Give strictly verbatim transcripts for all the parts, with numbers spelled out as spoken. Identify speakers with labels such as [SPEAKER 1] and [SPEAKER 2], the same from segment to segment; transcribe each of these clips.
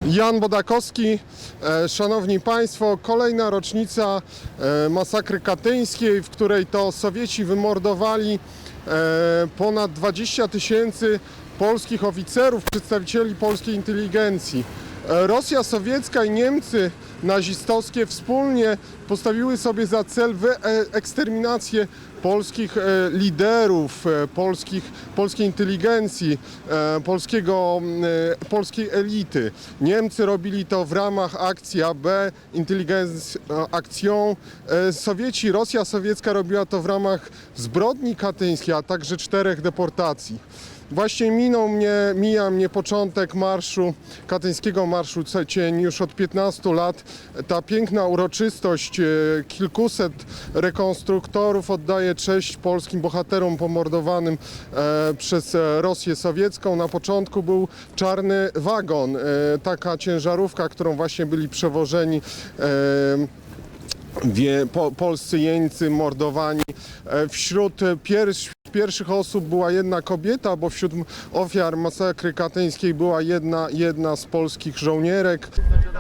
[SPEAKER 1] Jan Bodakowski. Szanowni Państwo, kolejna rocznica masakry katyńskiej, w której to Sowieci wymordowali ponad dwadzieścia tysięcy polskich oficerów, przedstawicieli polskiej inteligencji. Rosja sowiecka i Niemcy nazistowskie wspólnie postawiły sobie za cel eksterminację polskich liderów, polskich, polskiej inteligencji, polskiego, polskiej elity. Niemcy robili to w ramach akcji A B, Intelligence Action. Sowieci, Rosja sowiecka robiła to w ramach zbrodni katyńskiej, a także czterech deportacji. Właśnie minął mnie, mija mnie początek marszu, katyńskiego marszu cień już od piętnastu lat. Ta piękna uroczystość, kilkuset rekonstruktorów oddaje cześć polskim bohaterom pomordowanym e, przez Rosję sowiecką. Na początku był czarny wagon, e, taka ciężarówka, którą właśnie byli przewożeni e, Wie, po, polscy jeńcy mordowani. Wśród pierwszych, pierwszych osób była jedna kobieta, bo wśród ofiar masakry katyńskiej była jedna, jedna z polskich żołnierek.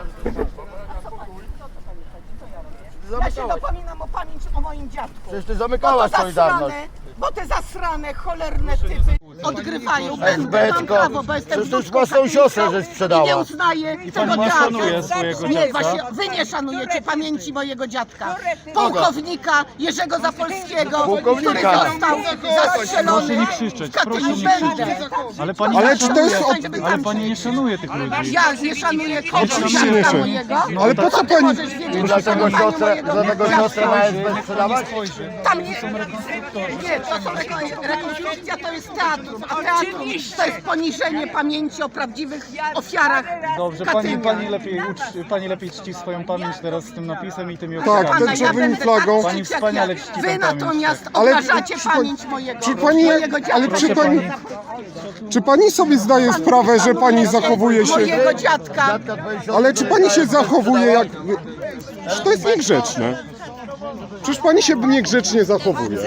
[SPEAKER 2] Ja się dopominam o pamięć o moim dziadku.
[SPEAKER 3] Przecież ty zamykałaś Solidarność.
[SPEAKER 2] Bo te zasrane, cholerne typy odgrywają. Będę, mam prawo, bo jestem
[SPEAKER 3] Przecież już
[SPEAKER 2] wnuczką
[SPEAKER 3] własną siostrę
[SPEAKER 2] katyńską
[SPEAKER 3] żeś sprzedała.
[SPEAKER 2] I nie uznaję tego
[SPEAKER 4] nie
[SPEAKER 2] teatru.
[SPEAKER 4] szanuje swojego
[SPEAKER 2] Nie,
[SPEAKER 4] dziadka?
[SPEAKER 2] właśnie wy nie szanujecie pamięci mojego dziadka. Pułkownika Jerzego Zapolskiego, który
[SPEAKER 3] Pułkownika.
[SPEAKER 2] został zastrzelony
[SPEAKER 4] Proszę nie krzyczeć,
[SPEAKER 2] w Katyniu.
[SPEAKER 4] proszę nie krzyczeć.
[SPEAKER 2] Będę.
[SPEAKER 4] Ale pani
[SPEAKER 1] Ale
[SPEAKER 4] nie
[SPEAKER 1] czy to jest
[SPEAKER 4] szanuje,
[SPEAKER 1] od-
[SPEAKER 4] ale pani nie szanuje tych ludzi.
[SPEAKER 2] Ja nie szanuję kogo
[SPEAKER 1] Oczywiście nie
[SPEAKER 2] dziadka
[SPEAKER 1] szanuję.
[SPEAKER 2] mojego.
[SPEAKER 1] No ale po co
[SPEAKER 2] Ty
[SPEAKER 1] pani-
[SPEAKER 2] możesz wiedzieć, że
[SPEAKER 3] Dlatego
[SPEAKER 2] szanowaniu
[SPEAKER 3] siostrę,
[SPEAKER 2] mojego
[SPEAKER 3] dlatego
[SPEAKER 2] dziadka.
[SPEAKER 3] siostrę na S B sprzedawać?
[SPEAKER 2] Tam nie, nie, to są reko- rekonstrukcja, to jest teatrum, a teatrum to jest poniżenie pamięci o prawdziwych ofiarach
[SPEAKER 4] Dobrze, pani,
[SPEAKER 2] Katynia.
[SPEAKER 4] pani, lepiej, ucz, pani lepiej czci swoją pamięć teraz z tym napisem i tymi
[SPEAKER 1] Tak,
[SPEAKER 4] ofiarami.
[SPEAKER 1] tęczowym
[SPEAKER 2] będę
[SPEAKER 1] flagą.
[SPEAKER 2] tak
[SPEAKER 4] Pani
[SPEAKER 2] krzyczeć,
[SPEAKER 4] wspaniale
[SPEAKER 2] jak
[SPEAKER 4] czci
[SPEAKER 2] Wy
[SPEAKER 4] tę pamięć,
[SPEAKER 2] natomiast
[SPEAKER 1] Ale
[SPEAKER 2] obrażacie
[SPEAKER 1] czy pani-
[SPEAKER 2] pamięć mojego,
[SPEAKER 1] czy pani-
[SPEAKER 2] mojego dziadka.
[SPEAKER 1] ale czy pani-
[SPEAKER 2] Proszę
[SPEAKER 1] Czy pani sobie zdaje sprawę, że pani zachowuje się...
[SPEAKER 2] Mojego dziadka.
[SPEAKER 1] Ale czy pani się zachowuje jak... Czy to jest niegrzeczne? Przecież pani się niegrzecznie zachowuje.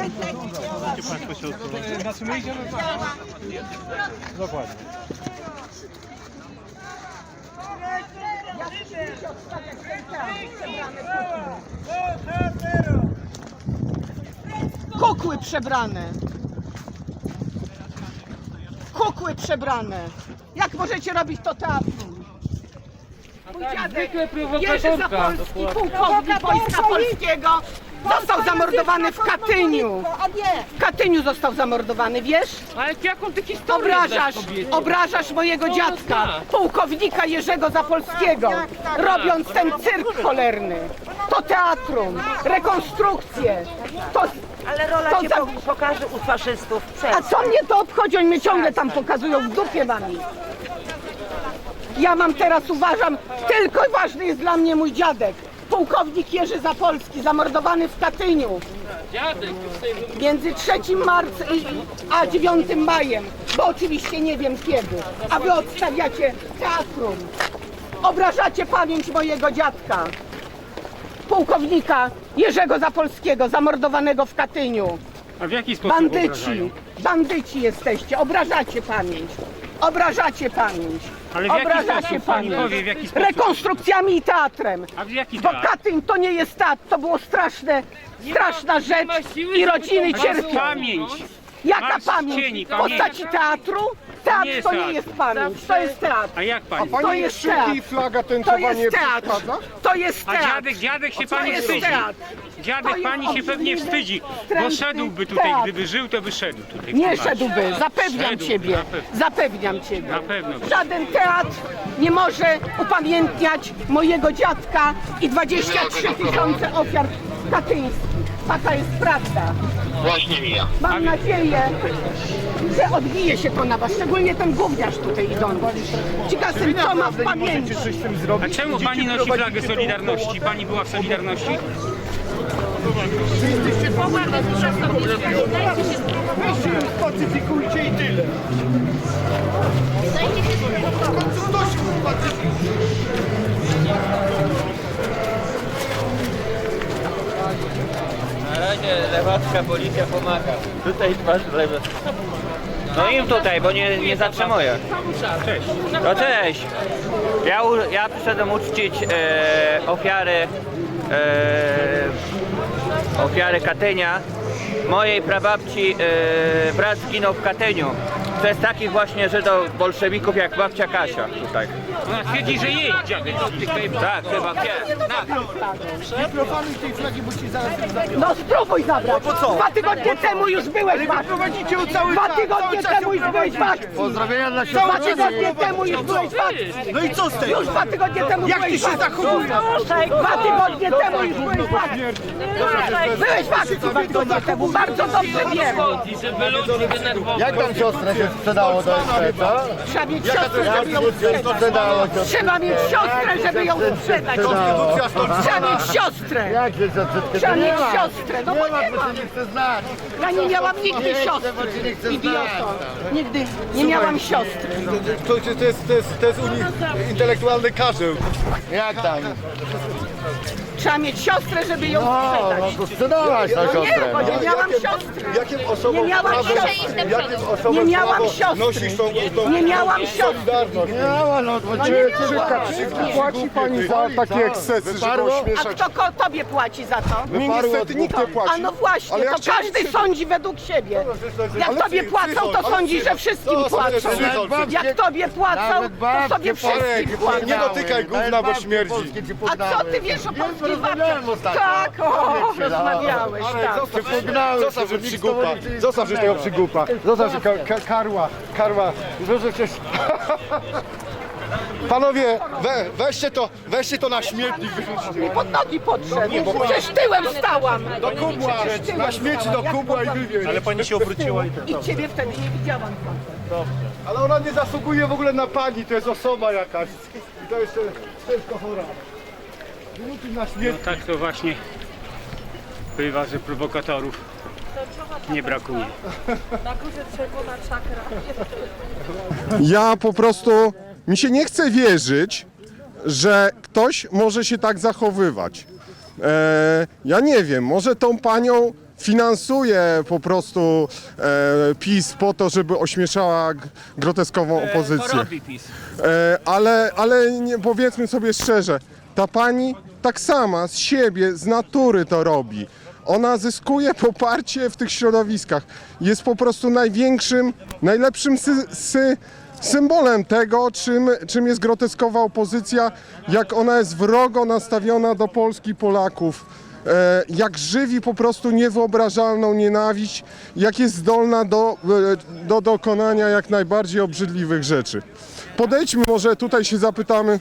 [SPEAKER 4] Dokładnie.
[SPEAKER 2] Kukły przebrane. Kukły przebrane. Jak możecie robić to teatrum? Mój dziadek Jerzy Zapolski, pułkownik Wojska Polskiego, został zamordowany w Katyniu. W Katyniu został zamordowany, wiesz?
[SPEAKER 5] Ale jaką ty historię
[SPEAKER 2] Obrażasz,
[SPEAKER 5] znasz, kobiecie?
[SPEAKER 2] obrażasz mojego dziadka, pułkownika Jerzego Zapolskiego, robiąc ten cyrk cholerny. To teatrum, rekonstrukcje. To,
[SPEAKER 6] Ale rola
[SPEAKER 2] to
[SPEAKER 6] cię
[SPEAKER 2] za-
[SPEAKER 6] po- pokaże u faszystów. Przed.
[SPEAKER 2] A co mnie to obchodzi? Oni mnie ciągle tam pokazują, w dupie wami. Ja mam teraz, uważam, tylko ważny jest dla mnie mój dziadek. Pułkownik Jerzy Zapolski, zamordowany w Katyniu.
[SPEAKER 5] Dziadek, to sobie
[SPEAKER 2] Między trzecim marca a dziewiątym majem, bo oczywiście nie wiem kiedy. A wy odstawiacie teatrum. Obrażacie pamięć mojego dziadka. Pułkownika Jerzego Zapolskiego, zamordowanego w Katyniu.
[SPEAKER 5] A w jaki sposób
[SPEAKER 2] Bandyci,
[SPEAKER 5] obrażają?
[SPEAKER 2] bandyci jesteście, obrażacie pamięć. Obrażacie pamięć.
[SPEAKER 5] Ale w jaki
[SPEAKER 2] Obrażacie
[SPEAKER 5] sposób? Pani
[SPEAKER 2] pamięć.
[SPEAKER 5] powie, w jaki sposób?
[SPEAKER 2] Rekonstrukcjami i teatrem.
[SPEAKER 5] A w jaki
[SPEAKER 2] Bo
[SPEAKER 5] teatr?
[SPEAKER 2] Katyń to nie jest teatr, to było straszne, straszna rzecz
[SPEAKER 5] ma siły,
[SPEAKER 2] i
[SPEAKER 5] żeby
[SPEAKER 2] rodziny
[SPEAKER 5] to-
[SPEAKER 2] cierpią.
[SPEAKER 5] Pamięć.
[SPEAKER 2] Jaka
[SPEAKER 5] Masz
[SPEAKER 2] pamięć?
[SPEAKER 5] cieni,
[SPEAKER 2] W postaci teatru? Teatr
[SPEAKER 5] Nie jest
[SPEAKER 2] to nie
[SPEAKER 5] teatr.
[SPEAKER 2] jest pamięć, to jest teatr.
[SPEAKER 5] A jak pani?
[SPEAKER 2] To
[SPEAKER 1] Pani
[SPEAKER 2] jest
[SPEAKER 1] krzyki
[SPEAKER 2] teatr.
[SPEAKER 1] i flaga
[SPEAKER 2] To
[SPEAKER 1] tęczowanie
[SPEAKER 2] jest teatr.
[SPEAKER 1] przeszkadza?
[SPEAKER 2] To jest
[SPEAKER 5] A
[SPEAKER 2] teatr.
[SPEAKER 5] dziadek, dziadek się
[SPEAKER 2] To
[SPEAKER 5] pani
[SPEAKER 2] jest
[SPEAKER 5] wstydzi.
[SPEAKER 2] teatr.
[SPEAKER 5] Dziadek
[SPEAKER 2] To
[SPEAKER 5] pani
[SPEAKER 2] jest
[SPEAKER 5] się pewnie
[SPEAKER 2] obrzydliwy,
[SPEAKER 5] wstydzi, bo
[SPEAKER 2] wstrętny
[SPEAKER 5] szedłby tutaj,
[SPEAKER 2] teatr.
[SPEAKER 5] gdyby żył, to by szedł tutaj.
[SPEAKER 2] Nie
[SPEAKER 5] Zobaczcie.
[SPEAKER 2] szedłby, zapewniam
[SPEAKER 5] Szedłby,
[SPEAKER 2] ciebie,
[SPEAKER 5] na pewno.
[SPEAKER 2] zapewniam ciebie.
[SPEAKER 5] Na pewno.
[SPEAKER 2] Żaden teatr nie może upamiętniać mojego dziadka i dwadzieścia trzy tysiące ofiar katyńskich. Taka jest prawda.
[SPEAKER 7] Właśnie mija.
[SPEAKER 2] Mam nadzieję, że odbije się to na was, szczególnie ten gówniarz tutaj idący. Ciekawe, co ma w pamięci.
[SPEAKER 5] A czemu pani nosi flagę Solidarności? Pani była w Solidarności?
[SPEAKER 3] Pacyfikujcie i tyle.
[SPEAKER 8] Na razie lewacka policja pomaga. Tutaj twarz w lewo.
[SPEAKER 7] No im tutaj, bo nie, nie zatrzymuję.
[SPEAKER 5] Cześć.
[SPEAKER 7] No cześć. Ja, u- ja przyszedłem uczcić e, ofiary e, ofiary Katynia. Mojej prababci e, brat zginął w Katyniu. To jest takich właśnie Żydów bolszewików jak babcia Kasia tutaj.
[SPEAKER 5] Ona twierdzi, że jej dziadek tutaj...
[SPEAKER 7] Tak, chyba wie.
[SPEAKER 2] No spróbuj zabrać. Dwa tygodnie temu już byłeś w akcji. Dwa tygodnie temu już byłeś w akcji.
[SPEAKER 3] Pozdrowienia dla
[SPEAKER 2] Dwa
[SPEAKER 3] siostry.
[SPEAKER 2] tygodnie temu już byłeś w akcji.
[SPEAKER 3] No i co z tego?
[SPEAKER 2] Już dwa tygodnie temu
[SPEAKER 3] Jak
[SPEAKER 2] byłeś
[SPEAKER 3] ty się
[SPEAKER 2] w akcji.
[SPEAKER 3] zachowujesz?
[SPEAKER 2] Dwa tygodnie temu już byłeś w akcji. Byłeś w akcji dwa tygodnie temu. Bardzo dobrze wiem.
[SPEAKER 5] Żeby ludzi denerwować.
[SPEAKER 3] Jak tam siostrę się sprzedało do S P, co?
[SPEAKER 2] Trzeba mieć
[SPEAKER 3] Jak
[SPEAKER 2] siostrę,
[SPEAKER 3] to
[SPEAKER 2] żeby ją
[SPEAKER 3] się
[SPEAKER 2] sprzedać.
[SPEAKER 3] sprzedało siostrę?
[SPEAKER 2] Trzeba mieć siostrę, żeby ją sprzedać. Trzeba mieć siostrę.
[SPEAKER 3] Jak się siostrę?
[SPEAKER 2] Trzeba
[SPEAKER 3] Nie
[SPEAKER 2] mieć
[SPEAKER 3] ma.
[SPEAKER 2] siostrę. No bo
[SPEAKER 3] Nie ma,
[SPEAKER 2] nie
[SPEAKER 3] bo
[SPEAKER 2] ma.
[SPEAKER 3] się nie chce znać.
[SPEAKER 2] Ja nie miałam nigdy
[SPEAKER 3] Nie chcę,
[SPEAKER 2] siostry.
[SPEAKER 3] bo cię nie chcę
[SPEAKER 2] Idioto.
[SPEAKER 3] znać.
[SPEAKER 2] Nigdy nie miałam siostry.
[SPEAKER 8] To, to, jest, to, jest, to jest uni- intelektualny karzeł.
[SPEAKER 3] Jak tam?
[SPEAKER 2] Trzeba mieć siostrę, żeby ją
[SPEAKER 3] No,
[SPEAKER 2] sprzedać.
[SPEAKER 3] no to sprzedałaś tą
[SPEAKER 2] No nie,
[SPEAKER 3] siostrę.
[SPEAKER 2] bo
[SPEAKER 3] No.
[SPEAKER 2] nie miałam siostry.
[SPEAKER 8] Jakim osobom
[SPEAKER 2] Nie miałam
[SPEAKER 8] prawo,
[SPEAKER 2] siostry.
[SPEAKER 8] jakim osobom
[SPEAKER 2] Nie miałam
[SPEAKER 8] prawo
[SPEAKER 2] siostry.
[SPEAKER 8] nosisz tą, tą
[SPEAKER 2] Nie miałam siostry.
[SPEAKER 8] solidarność?
[SPEAKER 3] Nie ma, no to
[SPEAKER 1] Czy, czy Kaczyński płaci pani za takie ekscesy, żeby
[SPEAKER 3] Wyparło?
[SPEAKER 2] A
[SPEAKER 1] ośmieszać?
[SPEAKER 2] kto ko- tobie płaci za to?
[SPEAKER 1] Mnie niestety nikt nie płaci.
[SPEAKER 2] A no właśnie,
[SPEAKER 1] Ale ja
[SPEAKER 2] to
[SPEAKER 1] chciałem
[SPEAKER 2] każdy
[SPEAKER 1] przy-
[SPEAKER 2] sądzi według siebie. Jak
[SPEAKER 8] Ale
[SPEAKER 2] tobie
[SPEAKER 8] psy-
[SPEAKER 2] płacą, to
[SPEAKER 8] psychol,
[SPEAKER 2] sądzi,
[SPEAKER 8] ale
[SPEAKER 2] że
[SPEAKER 8] psy-
[SPEAKER 2] wszystkim
[SPEAKER 8] to są
[SPEAKER 2] płacą.
[SPEAKER 8] psychol.
[SPEAKER 2] Jak tobie płacą,
[SPEAKER 3] Nawet
[SPEAKER 2] to
[SPEAKER 3] babcie
[SPEAKER 2] sobie wszystkim
[SPEAKER 3] polskie
[SPEAKER 2] płacą.
[SPEAKER 8] Nie dotykaj gówna, bo śmierdzi.
[SPEAKER 2] A co ty wiesz o polskich
[SPEAKER 3] rozmawiałem
[SPEAKER 2] babciach?
[SPEAKER 3] ostatnio.
[SPEAKER 2] Tak, o, rozmawiałeś, tak.
[SPEAKER 8] Zostaw, że przygłupa. Zostaw, że tego przygłupa. Zostaw, że ka ka karła, karła. Że przecież... Panowie, we, weźcie to, weźcie to na śmietnik, wyrzućcie.
[SPEAKER 2] Pod nogi podszedł. Przecież tyłem stałam.
[SPEAKER 8] Do kubła, na śmieci do kubła i wywieź. Ale pani się obróciła i...
[SPEAKER 2] I ciebie wtedy nie widziałam.
[SPEAKER 8] Ale ona nie zasługuje w ogóle na pani, to jest osoba jakaś. I to jeszcze ciężko chora. Wyrzucić na
[SPEAKER 5] No
[SPEAKER 8] śmietnik.
[SPEAKER 5] tak to właśnie bywa, że prowokatorów nie brakuje.
[SPEAKER 1] Ja po prostu, mi się nie chce wierzyć, że ktoś może się tak zachowywać. E, ja nie wiem, może tą panią finansuje po prostu e, PiS po to, żeby ośmieszała g- groteskową opozycję.
[SPEAKER 5] To robi PiS.
[SPEAKER 1] E, ale ale nie, powiedzmy sobie szczerze, ta pani tak sama z siebie, z natury to robi. Ona zyskuje poparcie w tych środowiskach. Jest po prostu największym, najlepszym sy, sy, symbolem tego, czym, czym jest groteskowa opozycja, jak ona jest wrogo nastawiona do Polski, Polaków. E, jak żywi po prostu niewyobrażalną nienawiść, jak jest zdolna do, e, do dokonania jak najbardziej obrzydliwych rzeczy. Podejdźmy, może tutaj się zapytamy.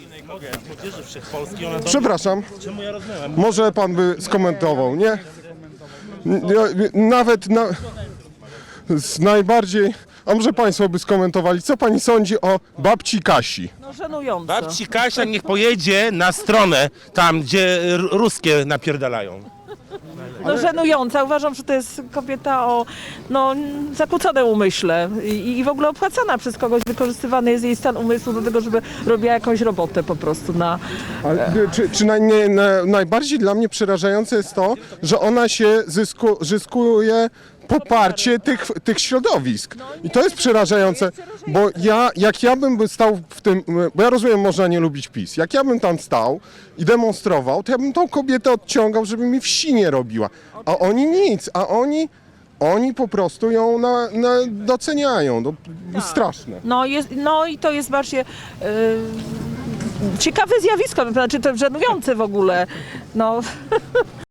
[SPEAKER 1] Przepraszam, może pan by skomentował, nie? Ja- Nawet na, z najbardziej, a może państwo by skomentowali, co pani sądzi o babci Kasi?
[SPEAKER 9] No żenujące.
[SPEAKER 10] Babci Kasia niech pojedzie na stronę tam, gdzie r- ruskie napierdalają.
[SPEAKER 9] No żenująca. Uważam, że to jest kobieta o no, zakłóconym umyśle I, i w ogóle opłacana przez kogoś. Wykorzystywany jest jej stan umysłu do tego, żeby robiła jakąś robotę po prostu na...
[SPEAKER 1] Ale, czy czy naj, nie, na, najbardziej dla mnie przerażające jest to, że ona się zysku, zyskuje poparcie tych, tych środowisk. I to jest przerażające, bo ja, jak ja bym by stał w tym, bo ja rozumiem, można nie lubić PiS, jak ja bym tam stał i demonstrował, to ja bym tą kobietę odciągał, żeby mi wsi nie robiła. A oni nic, a oni, oni po prostu ją na, na, doceniają. No, straszne.
[SPEAKER 9] No, jest, no i to jest właśnie yy, ciekawe zjawisko, znaczy to żenujące w ogóle. No.